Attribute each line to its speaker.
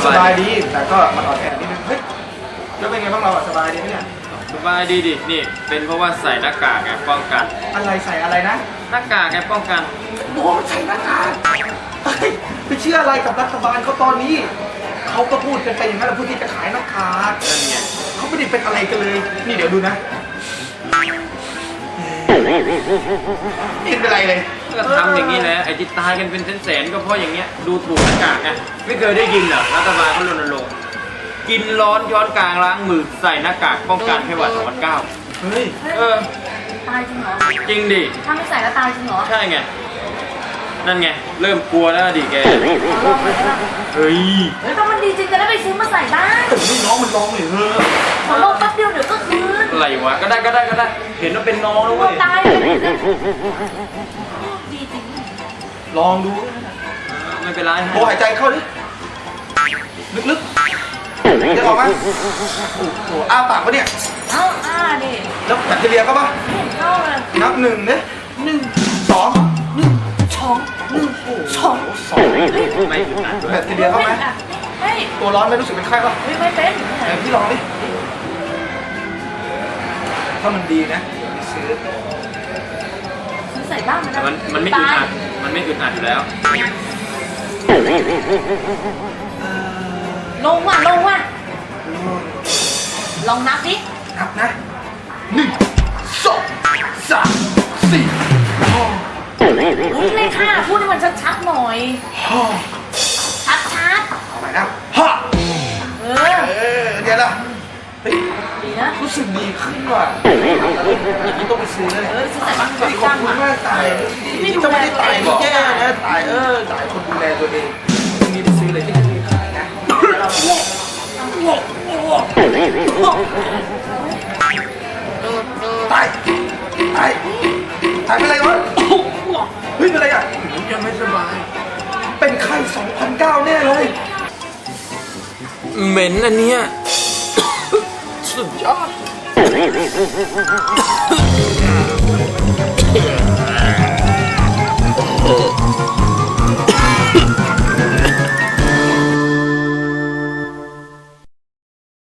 Speaker 1: สบายดีแต่ก็มันอ่อนแอนิดนึงเฮ้ยแล้วเป็นไงบ้างเราสบายดีไหมเนี่ย
Speaker 2: สบายดีดินี่เป็นเพราะว่าใส่หน้ากากไงป้องกัน
Speaker 1: อะไรใส่อะไรนะ
Speaker 2: หน้ากากไงป้องกัน
Speaker 1: โอ้ใส่หน้ากากไปเชื่ออะไรกับรัฐบาลเขาตอนนี้เขาก็พูดกันไปอย่างนั้นแหละผู้ที่จะขายหน้ากาก
Speaker 2: นั่นไง
Speaker 1: เขาไม่ได้เป็นอะไรกันเลยนี่เดี๋ยวดูนะไม่เป็นไรเลย
Speaker 2: ก็ทำอย่างนี้แหละไอ้ที่ตายกันเป็นแสนๆก็เพราะอย่างเงี้ยดูถูกหน้ากากไงไม่เคยได้ยินเหรอรัฐบาลเขารณรงค์กินร้อนย้อนกลางล้างมือใส่หน้ากากป้องกันไข้หวัด2009
Speaker 1: เฮ้ย
Speaker 3: ตายจริงเหรอ
Speaker 2: จริงดิ
Speaker 3: ถ้าไม่ใส่แล้วตายจริงเหรอ
Speaker 2: ใช่ไงนั่นไงเริ่มกลัวแล้วดิแก
Speaker 3: ลองเลยนะ
Speaker 2: เฮ้ย
Speaker 3: ถ้ามันดีจริงจะได้ไปซื้อมาใส่บ้าง
Speaker 1: นี่น้องมันลองเลย
Speaker 3: ขอลองแป๊บเดียวเดี๋ยวก็คืน
Speaker 2: อะไรวะก็ได้เห็นว่าเป็นน้องแล้วเว้ย
Speaker 3: ตายเลยดีจริง
Speaker 1: ลองดู
Speaker 2: ไม่เป็นไร
Speaker 1: โบหายใจเข้าดิลึกๆจะออกไหมโอ้โหอ้าปากปะเนี่ย
Speaker 3: ดิ
Speaker 1: แล้วแบคทีเรียก็ปะ
Speaker 3: เห็นเข้าเลย
Speaker 1: นับ1เนี่ย1 2
Speaker 2: ไม่อึดอัดด้วย
Speaker 1: แบคทีเรียเข้าไหมตัวร้อนไม่รู้สึกเป็นไข้ปะ
Speaker 3: ไม่เป็น
Speaker 1: พี่ลองดิถ้ามันดีนะซื้อ
Speaker 3: ใส่บ้าง
Speaker 2: มันไม่อึดอัดอยู่แล้ว
Speaker 3: ลงว่ะลองนับดิ
Speaker 1: นับนะ1 2 3 4
Speaker 3: อุ้ยเลข5พูดให้มันชัดๆหน่อยชัด
Speaker 1: เอาใหม่นะเดี๋ยวละ
Speaker 3: ดีนะ
Speaker 1: รู้สึกดีขึ้นว่ะอย่างนี้ต้องไปซื้อเลย
Speaker 3: ซื้อใส่บ้าง
Speaker 1: ขอบคุณมากตายจะไม่ได้ตายแย่นะตายคนดูแลตัวเองตรงนี้ไปซื้อเลยที่นี่ขายนะตายเป็นไรวะเฮ้ยเป็นไรอ่ะ
Speaker 2: ยังไม่สบาย
Speaker 1: เป็นไข้2009แน่เลย
Speaker 2: เหม็นอันเนี้ยสุดยอด